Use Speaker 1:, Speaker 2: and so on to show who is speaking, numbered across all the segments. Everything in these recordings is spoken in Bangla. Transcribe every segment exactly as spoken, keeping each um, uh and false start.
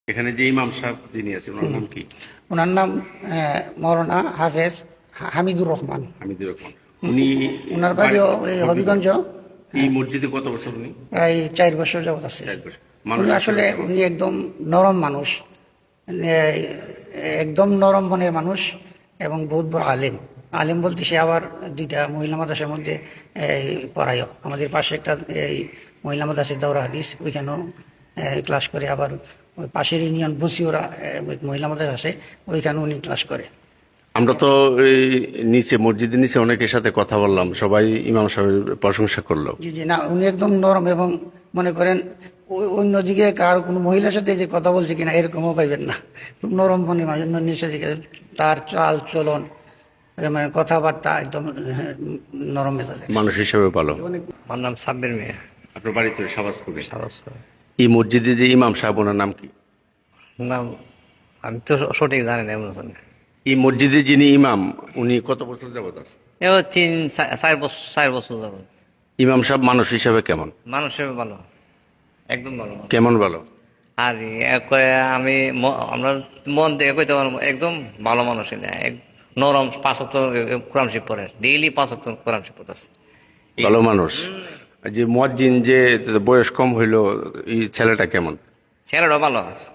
Speaker 1: এখানে যে ইমাম সাহেব যিনি আছেন ওনার নাম কি?
Speaker 2: ওনার নাম আহ, মৌলানা হাফেজ হামিদুর রহমান।
Speaker 1: হামিদুর রহমান। উনি
Speaker 2: ওনার বাড়িও এই হবিগঞ্জ।
Speaker 1: এই মসজিদে কত বছর উনি?
Speaker 2: প্রায় চার বছর যাবত আছে।
Speaker 1: চার বছর।
Speaker 2: উনি
Speaker 1: মানুষ
Speaker 2: আসলে
Speaker 1: হিসেবে কেমন?
Speaker 2: উনি একদম নরম মানুষ, এ, একদম নরম মনের মানুষ এবং বহুত বড় আলেম। আলেম বলতে সে আবার দুইটা মহিলা মাদ্রাসার মধ্যে এই, পড়ায়ও। আমাদের পাশে একটা এই মহিলা মাদ্রাসার দাওরা হাদিস, ওইখানেও ক্লাস করে। আবার ওই পাশের ইউনিয়ন বসিওরা মহিলা মাদ্রাসা আছে, ওইখানে উনি ক্লাস করে।
Speaker 1: আমরা তো এই নিচে মসজিদের নিচে অনেকের সাথে কথা বললাম, সবাই ইমাম সাহেবের প্রশংসা করলো।
Speaker 2: জি জি না, উনি একদম নরম এবং মনে করেন ওই অন্যদিকে কার কোনো মহিলার সাথে যে কথা বলছে কিনা এরকমও পাইবেন না। খুব নরম মনের মানুষ। নিচের দিকে তার চাল চলন, মানে কথাবার্তা একদম হ্যাঁ, নরম মেজাজের।
Speaker 1: মানুষ হিসেবে ভালো।
Speaker 3: আমার নাম সাব্বির মিয়া।
Speaker 1: আপনার বাড়িতে সাবাসপুরে।
Speaker 3: সাবাসপুর।
Speaker 1: এই মসজিদে যে ইমাম সাহেব ওনার নাম কি?
Speaker 3: নাম আমি তো সঠিক জানি না এমন জানি।
Speaker 1: এই মসজিদে যিনি ইমাম উনি কত বছর যাবত আছে?
Speaker 3: এবার তিন চা- চার বছর চার বছর যাবত।
Speaker 1: ইমাম সাহেব মানুষ হিসেবে কেমন?
Speaker 3: মানুষ হিসেবে ভালো, একদম ভালো মানুষ।
Speaker 1: কেমন ভালো?
Speaker 3: আর এক আমি ম- আমরা মন থেকে কইতে পারবো একদম ভালো মানুষ না। এক নরম পাঁচক কোরআন শিব পড়ে, ডেইলি পাঁচক কোরআন শিব পড়তেছে।
Speaker 1: ভালো মানুষ। যে মুয়াজ্জিন যে বয়স কম হইলো, এই ছেলেটা কেমন?
Speaker 3: ছেলেটা ভালো আছে।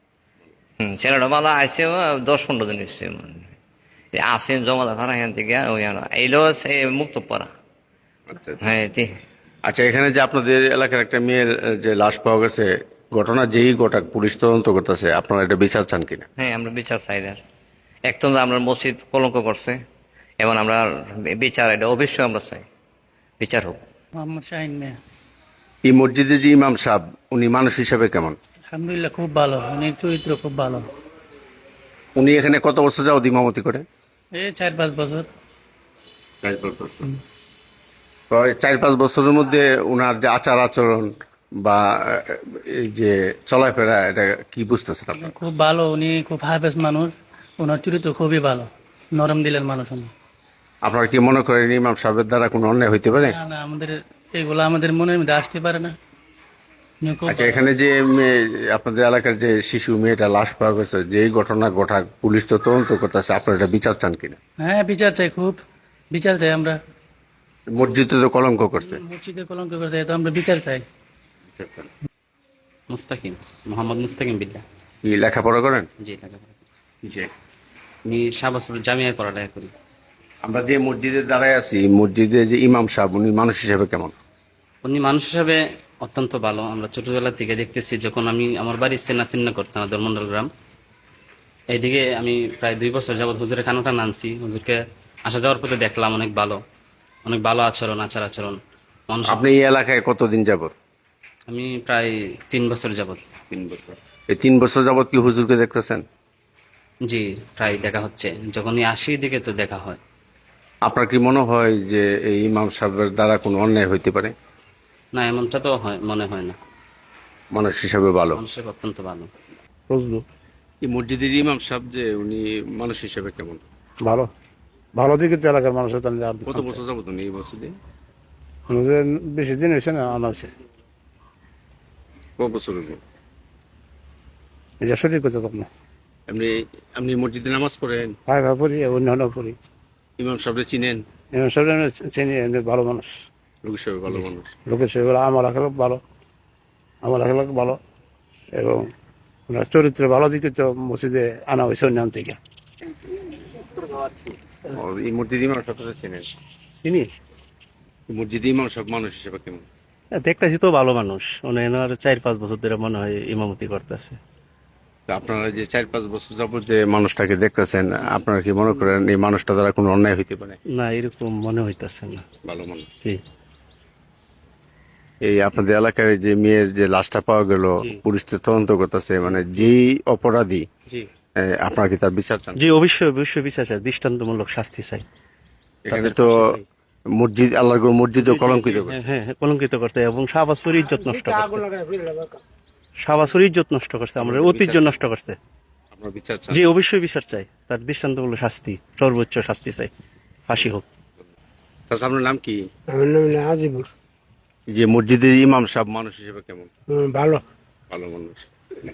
Speaker 3: হম ছেলেটা ভালো আছে। দশ পনেরো দিন এসছে আসেন জমাদার ভাড়া এখান থেকে ওই এইলো সে মুক্ত পড়া।
Speaker 1: আচ্ছা আচ্ছা।
Speaker 3: হ্যাঁ জি।
Speaker 1: আচ্ছা, এখানে যে আপনাদের এলাকার একটা মেয়ের আহ, যে লাশ পাওয়া গেছে, ঘটনা যেই গোটাক পুলিশ তদন্ত করতেছে, আপনারা এটা বিচার চান কিনা?
Speaker 3: হ্যাঁ আমরা বিচার চাই না। একদম আমরা মসজিদ কলঙ্ক করছে এবং আমরা বিচার এটা অবশ্যই আমরা চাই, বিচার হোক।
Speaker 4: মোহাম্মদ শাহিন মিয়া।
Speaker 1: এই মসজিদে যে ইমাম সাহেব উনি মানুষ হিসেবে কেমন?
Speaker 4: আলহামদুলিল্লাহ খুব ভালো, উনির চরিত্র খুব ভালো।
Speaker 1: উনি এখানে কত বছর যাবত ইমামতি করে?
Speaker 4: এই চার পাঁচ বছর।
Speaker 1: প্রায় চার পাঁচ বছরের মধ্যে উনার যে আচার আচরণ বা আহ, এই যে চলাফেরা, এটা কি বুঝতেছেন আপনার?
Speaker 4: খুব ভালো, উনি খুব হাফেজ মানুষ। ওনার চরিত্র খুবই ভালো, নরম দিলের মানুষ উনি।
Speaker 1: আপনারা কি মনে করেন ইমাম সাহেবের দ্বারা কোনো অন্যায় হইতে পারে?
Speaker 4: না না, আমাদের এগুলো আমাদের মনের মধ্যে আসতে পারে না। উনি খুব
Speaker 1: আচ্ছা, এখানে যে মেয়ে, আপনাদের এলাকার যে শিশু মেয়েটা লাশ পাওয়া গেছে, যে এই ঘটনা ঘটা পুলিশ তো তদন্ত করতেছে, আপনারা এটা বিচার চান কিনা?
Speaker 4: হ্যাঁ বিচার চাই, খুব বিচার চাই আমরা।
Speaker 1: মসজিদে তো কলঙ্ক করছে।
Speaker 4: মসজিদে কলঙ্ক করতে তো আমরা বিচার চাই।
Speaker 5: মুস্তাকিম, মোহাম্মদ মুস্তাকিম বিল্লাহ।
Speaker 1: কি লেখাপড়া করেন?
Speaker 5: জি লেখাপড়া করি।
Speaker 1: কিসে?
Speaker 5: আমি শাহবাজপুর জামিয়ায় পড়ালেখা করি।
Speaker 1: আমরা যে মসজিদে দাঁড়ায় আছি, মসজিদে যে ইমাম সাহেব উনি মানুষ হিসেবে কেমন?
Speaker 5: উনি মানুষ হিসাবে অত্যন্ত ভালো। আমরা ছোটবেলা থেকে দেখতেছি, যখন আমি আমার বাড়ি চেনা চিহ্ন করতাম ধর্মন্ডল গ্রাম, এইদিকে আমি প্রায় দুই বছর যাবৎ হুজুরের কানুটা নানছি। হুজুরকে আসা যাওয়ার পথে দেখলাম অনেক ভালো, অনেক ভালো আচরণ, আচার আচরণ মানুষ।
Speaker 1: আপনি এই এলাকায় কতদিন যাবত?
Speaker 5: আমি প্রায় তিন বছর যাবৎ।
Speaker 1: তিন বছর। এই তিন বছর যাবত কি হুজুরকে দেখতেছেন?
Speaker 5: জি প্রায় দেখা হচ্ছে, যখনই আসি দিকে তো দেখা হয়।
Speaker 1: আপনার কি মনে হয় যে এই ইমাম সাহেবের দ্বারা কোনো অন্যায় হইতে পারে?
Speaker 5: না, এমনটা তো হয় মনে হয় না।
Speaker 1: মানুষ হিসাবে ভালো।
Speaker 5: মানুষের অত্যন্ত ভালো।
Speaker 1: এই মসজিদের ইমাম সাহেব যে উনি মানুষ হিসাবে কেমন?
Speaker 6: ভালো ভালো দিকে তো এলাকার মানুষের তাহলে আর
Speaker 1: কত বছর যাবত উনি এই মসজিদে?
Speaker 6: আমাদের বেশি দিন হয়েছে না আনা হয়েছে।
Speaker 1: কত বছর হলো?
Speaker 6: এটা সঠিক কথা তখন
Speaker 1: আপনি আপনি মসজিদে নামাজ পড়েন?
Speaker 6: ভাই ভাই পড়ি অন্য পড়ি।
Speaker 1: ইমাম সাহেবরে চিনেন?
Speaker 6: এমন সব আমরা চিনি, এমনি ভালো মানুষ,
Speaker 1: লোক হিসাবে ভালো মানুষ।
Speaker 6: লোকের সেগুলো আমার আখেলোক ভালো, আমার আখেলোক ভালো এবং ওনার চরিত্র ভালো দিকে তো মসজিদে আনা হয়েছে অন্য থেকে।
Speaker 1: ও, এই মসজিদ ইমাম সাহেবরে চিনেন?
Speaker 7: চিনি,
Speaker 1: এই মসজিদ ইমাম সাহেব মানুষ হিসাবে কেমন?
Speaker 7: দেখতেছি তো ভালো মানুষ। উনি এনার চার পাঁচ বছর ধরে মনে হয় ইমামতি করতেছে।
Speaker 1: তা আপনারা যে চার পাঁচ বছর যাবত যে মানুষটাকে দেখতেছেন, আপনারা কি মনে করেন এই মানুষটা দ্বারা কোনো অন্যায় হইতে পারে?
Speaker 7: না, এরকম মনে হইতেছে না।
Speaker 1: ভালো মানুষ।
Speaker 7: জি
Speaker 1: এই আপনাদের এলাকার যে মেয়ের যে লাশটা পাওয়া গেল,
Speaker 7: জি।
Speaker 1: পুলিশ তো তদন্ত করতেছে, মানে যেই অপরাধী,
Speaker 7: জি
Speaker 1: এ, আপনারা কি তার বিচার চান?
Speaker 7: জি অবশ্যই অবশ্যই বিচার চাই, দৃষ্টান্তমূলক শাস্তি চাই।
Speaker 1: এখানে
Speaker 7: তাদের
Speaker 1: তো
Speaker 7: ফাঁসি চাই।
Speaker 1: মসজিদ, আল্লাহর মসজিদও কলঙ্কিত
Speaker 7: হ্যাঁ
Speaker 1: করছে।
Speaker 7: হ্যাঁ হ্যাঁ, কলঙ্কিত করতে এবং শাহবাজপুর ইজ্জত নষ্ট করতে, শাহবাজপুর ইজ্জত নষ্ট করতে, আমরা ঐতিহ্য নষ্ট করতে।
Speaker 1: আপনার বিচার চান?
Speaker 7: জি অবশ্যই বিচার চাই, তার দৃষ্টান্তমূলক শাস্তি, সর্বোচ্চ শাস্তি চাই, ফাঁসি হোক।
Speaker 1: তাছাড়া আপনার নাম কি?
Speaker 8: আমার নাম আজিবুর।
Speaker 1: যে মসজিদের ইমাম সাহেব মানুষ হিসেবে কেমন?
Speaker 8: ভালো।
Speaker 1: ভালো মানুষ।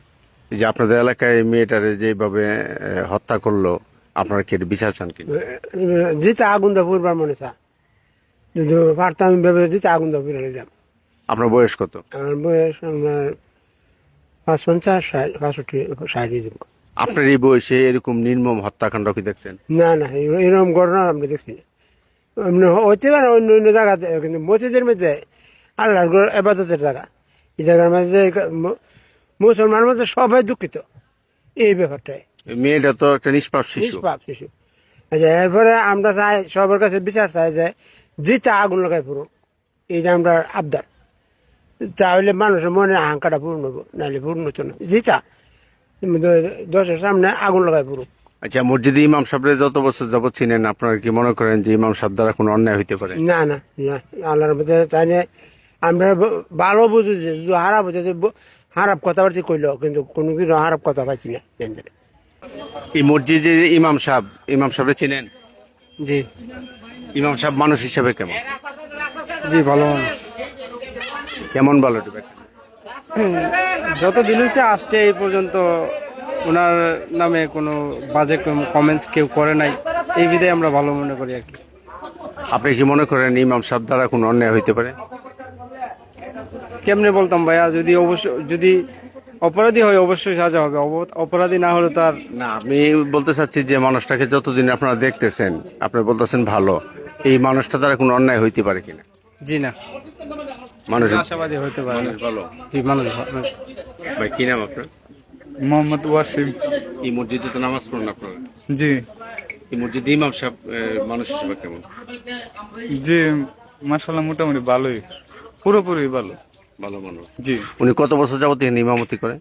Speaker 1: এই যে আপনাদের এলাকায় এই মেয়েটারে যেভাবে আহ, হত্যা করলো, আপনারা কি এটা বিচার চান কিনা?
Speaker 6: যেটা আগুন দা পূর্বার মনে চা যদি পারতাম ভেবে যেটা আগুন দা পূর্বার নিলাম।
Speaker 1: আপনার বয়স কত?
Speaker 6: আমার বয়স আপনার পাঁচ পঞ্চাশ ষাট পাঁচষট্টি ষাট এরকম।
Speaker 1: আপনার এই বয়সে এরকম নির্মম হত্যাকাণ্ড কি দেখছেন?
Speaker 6: না না এর- এরকম ঘটনা আমরা দেখছি না। এমনি হইতে পারে অন্য অন্য জায়গাতে, কিন্তু মসজিদের মধ্যে আল্লাহর ঘর এবাদতের জায়গা, এই জায়গার মধ্যে ম- মুসলমান মধ্যে সবাই দুঃখিত এই ব্যাপারটায়।
Speaker 1: এই মেয়েটা তো একটা নিষ্পাপ শিশু।
Speaker 6: নিষ্পাপ শিশু। আচ্ছা, এরপরে আমরা চাই সবার কাছে বিচার চাই যে যেটা আগুন লাগাই পুরো, এইটা আমরা আবদার। তাহলে মানুষের মনে আহাঙ্কাটা পূর্ণ হবো, নাহলে পূর্ণ হতো না। যেটা দশের সামনে আগুন লাগাই পুরো।
Speaker 1: আচ্ছা, মসজিদে ইমাম সাহেবরে যত বছর যাবত চিনেন, আপনারা কি মনে করেন যে ইমাম সাহেব দ্বারা কোনো অন্যায় হইতে পারে?
Speaker 6: না না না, আল্লাহর মধ্যে তাই না, আমরা ব- ভালো বুঝি যে যদি হারাপ হচ্ছে যে ব- হারাপ কথাবার্তা কইল, কিন্তু কোনোদিন হারাপ কথা পাইছি না জানতে।
Speaker 1: এই মসজিদে যে ইমাম সাহেব, ইমাম সাহেবরে চিনেন?
Speaker 7: জি
Speaker 1: ইমাম সাহেব মানুষ হিসেবে কেমন?
Speaker 7: জি ভালো মানুষ।
Speaker 1: কেমন ভালো একটু ব্যাখ্যা করুন।
Speaker 7: যত দিন হচ্ছে আসছে এই পর্যন্ত ওনার নামে কোনো বাজে কমেন্টস কেউ করে নাই, এই বিধায় আমরা ভালো মনে করি আর কি।
Speaker 1: আপনি কি মনে করেন ইমাম সাহেব দ্বারা কোনো অন্যায় হইতে পারে?
Speaker 7: কেমনে বলতাম ভাইয়া, যদি অবশ্য যদি অপরাধী হয় অবশ্যই সাজা হবে, অব- অপরাধী না হলে তো আর।
Speaker 1: না, আমি বলতে চাচ্ছি যে মানুষটাকে যতদিন আপনারা দেখতেছেন, আপনি বলতেছেন ভালো, এই মানুষটা দ্বারা কোনো অন্যায় হইতে পারে কিনা?
Speaker 7: জি না,
Speaker 1: মানুষ
Speaker 7: আশাবাদী হতে পারে না।
Speaker 1: মানুষ ভালো।
Speaker 7: জি মানুষ ভালো।
Speaker 1: ভাই, কি নাম আপনার?
Speaker 8: মোহাম্মদ ওয়াসিম।
Speaker 1: এই মসজিদে তো নামাজ পড়েন আপনারা,
Speaker 8: জি
Speaker 1: এই মসজিদে ইমাম সাহেব আহ, মানুষ হিসেবে কেমন?
Speaker 8: জি মাশাল্লাহ মোটামুটি ভালোই, পুরোপুরি ভালো।
Speaker 1: ভালো মানুষ।
Speaker 8: জি
Speaker 1: উনি কত বছর যাবত এখানে ইমামতি করে?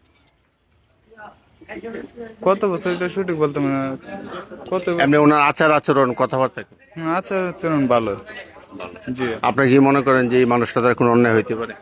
Speaker 8: কত বছর এটা সঠিক বলতে পারি না। কত
Speaker 1: এমনি ওনার আচার আচরণ কথাবার্তা কেমন?
Speaker 8: আচার আচরণ ভালো। জি
Speaker 1: আপনার কি মনে করেন যে এই মানুষটা দ্বারা কোনো অন্যায় হইতে পারে?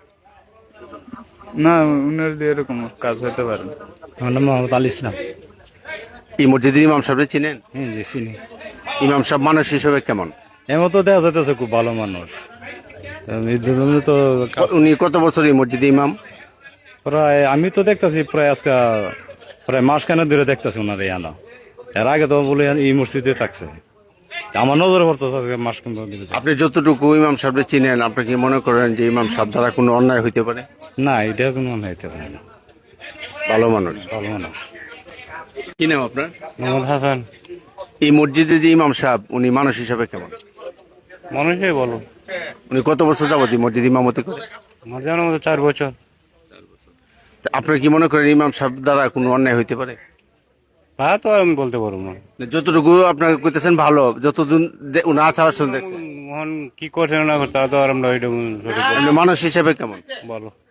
Speaker 8: না, উনার দিয়ে এরকম কাজ হতে পারে না।
Speaker 9: আমার নাম মোহাম্মদ আলী ইসলাম।
Speaker 1: এই মসজিদের ইমাম সাহেব চিনেন?
Speaker 9: হ্যাঁ জি চিনি।
Speaker 1: ইমাম সাহেব মানুষ হিসেবে কেমন?
Speaker 9: এমন তো দেখা যাইতেছে খুব ভালো মানুষ। এই ধরনের তো
Speaker 1: উনি কত বছর এই মসজিদে ইমাম?
Speaker 9: প্রায় আমি তো দেখতেছি প্রায় আজকে প্রায় মাস কেন ধরে দেখতেছি ওনার এই আনা। এর আগে তো বলে এই মসজিদে থাকছে, আমার নজরে পড়তেছে আজকে মাস কেন ধরে।
Speaker 1: আপনি যতটুকু ইমাম সাহেব চিনেন, আপনি কি মনে করেন যে ইমাম সাহেব দ্বারা কোনো অন্যায় হইতে পারে?
Speaker 9: না এটা কোনো মনে হইতে পারে না,
Speaker 1: ভালো মানুষ।
Speaker 9: ভালো মানুষ।
Speaker 1: কি নাম আপনার?
Speaker 9: মোহাম্মদ হাসান।
Speaker 1: এই মসজিদে যে ইমাম সাহেব, উনি মানুষ হিসেবে কেমন?
Speaker 9: মানুষই বলো,
Speaker 1: উনি কত বছর যাবত এই মসজিদ ইমামতি করে?
Speaker 9: আমার জানার মতো চার বছর।
Speaker 1: তা আপনি কি মনে করেন ইমাম সাহেব দ্বারা কোনো অন্যায় হইতে পারে?
Speaker 9: তা তো আর আমি বলতে পারবো না।
Speaker 1: যতটুকু আপনাকে কইতেছেন ভালো, যতদিন দে- উনি আচার আচরণ দেখছেন,
Speaker 9: মোহন কি করছে না করছে তা তো আর আমরা ওইটা সঠিক বলতে
Speaker 1: আপনি মানুষ হিসেবে কেমন?
Speaker 9: বলো।